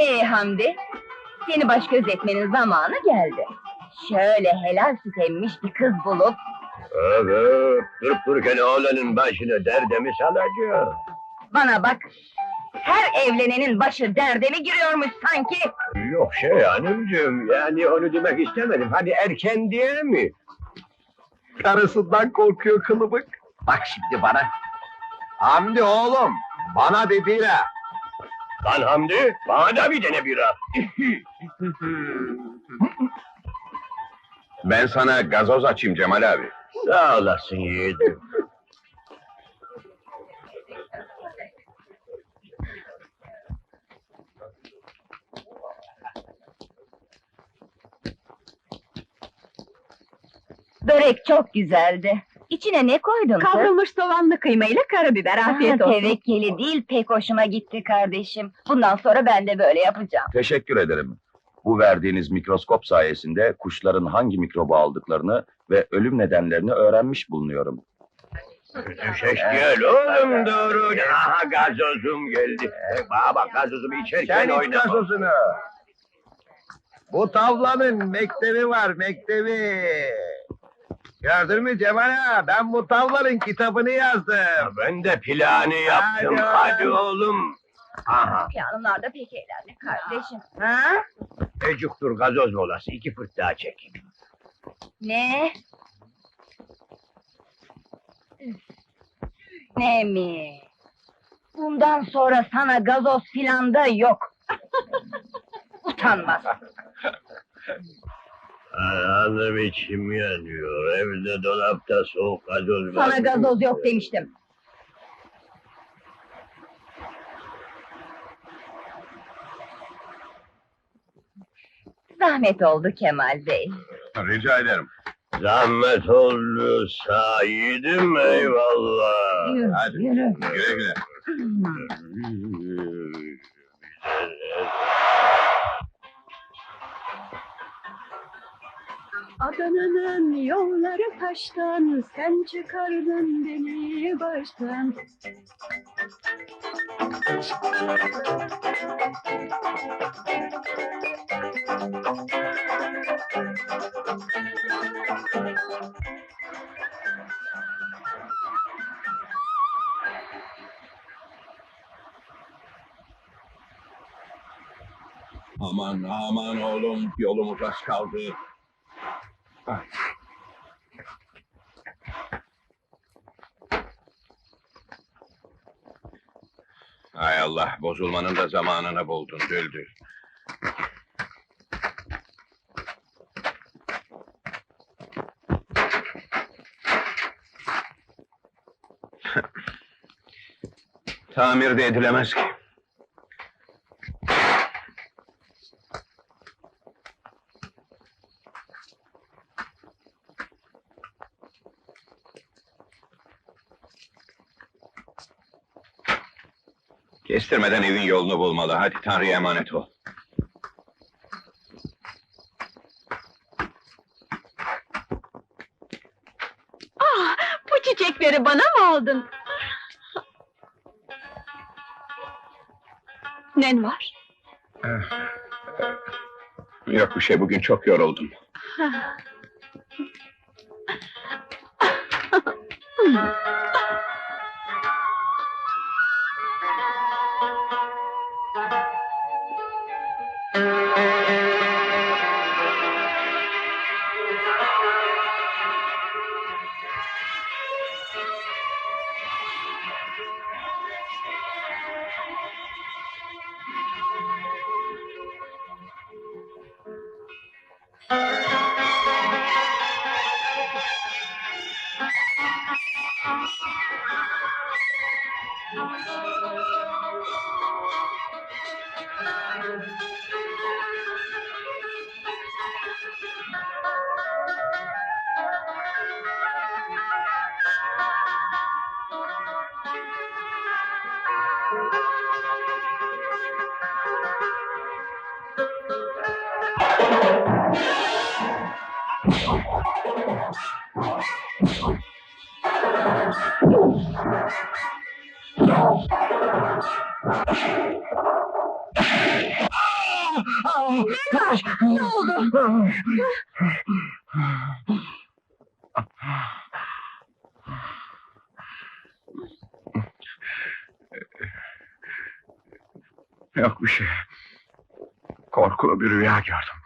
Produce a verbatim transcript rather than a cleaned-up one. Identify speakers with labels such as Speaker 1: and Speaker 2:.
Speaker 1: Ee Hamdi, seni baş göz etmenin zamanı geldi. Şöyle helal süt emmiş bir kız bulup...
Speaker 2: Evet, durup dururken oğlanın başına derde mi salacak?
Speaker 1: Bana bak, her evlenenin başı derde mi giriyormuş sanki?
Speaker 2: Yok şey hanımcığım, yani onu demek istemedim. Hadi erken diye mi?
Speaker 3: Karısından korkuyor kılıbık. Bak şimdi bana. Hamdi oğlum, bana bir bira.
Speaker 2: Lan Hamdi, bana da bir tane bira.
Speaker 3: Ben sana gazoz açayım Cemal abi.
Speaker 2: Sağ olasın yiğidim.
Speaker 1: Börek çok güzeldi. İçine ne koydun kız?
Speaker 4: Kavrulmuş soğanlı kıymayla karabiber, afiyet
Speaker 1: Ah,
Speaker 4: olsun.
Speaker 1: tevekkeli değil, pek hoşuma gitti kardeşim. Bundan sonra ben de böyle yapacağım.
Speaker 5: Teşekkür ederim. Bu verdiğiniz mikroskop sayesinde kuşların hangi mikrobu aldıklarını ve ölüm nedenlerini öğrenmiş bulunuyorum.
Speaker 2: Düşeş gel oğlum doğru. Aha gazozum geldi. Bana bak gazozumu içerken
Speaker 3: Sen iç
Speaker 2: oynama.
Speaker 3: gazozunu. Bu tavlanın mektebi var, mektebi. Gördün mü Cemal ağa? Ben bu tavlanın kitabını yazdım.
Speaker 2: Ben de planı yaptım.
Speaker 3: Hadi.
Speaker 2: Hadi oğlum. Aha.
Speaker 1: Piyanonlar da pek eğlendi kardeşim. Ha?
Speaker 2: Ecuktur gazoz molası. İki fırt daha çek.
Speaker 1: Ne? Ne mi? Bundan sonra sana gazoz filan da yok. Utanmaz.
Speaker 2: Anam içim yanıyor. Evde dolapta soğuk gazoz var.
Speaker 1: Sana gazoz yok demiştim. Zahmet oldu Kemal Bey.
Speaker 3: Rica ederim.
Speaker 2: Zahmet oldu sayidim eyvallah.
Speaker 1: Yürü,
Speaker 3: Hadi.
Speaker 1: yürü.
Speaker 3: Güle güle.
Speaker 4: Adana'nın yolları taştan, sen çıkardın beni baştan.
Speaker 3: Aman aman oğlum, yolumuz az kaldı. Hay Allah, bozulmanın da zamanını buldun Düldül. Tamir de edilemez ki. Kestirmeden evin yolunu bulmalı. Hadi Tanrı'ya emanet ol.
Speaker 4: Ah, bu çiçekleri bana mı aldın? Nen var?
Speaker 3: Yok bir şey, bugün çok yoruldum.
Speaker 1: Ne oldu?
Speaker 3: Yok bir şey. Korkulu bir rüya gördüm.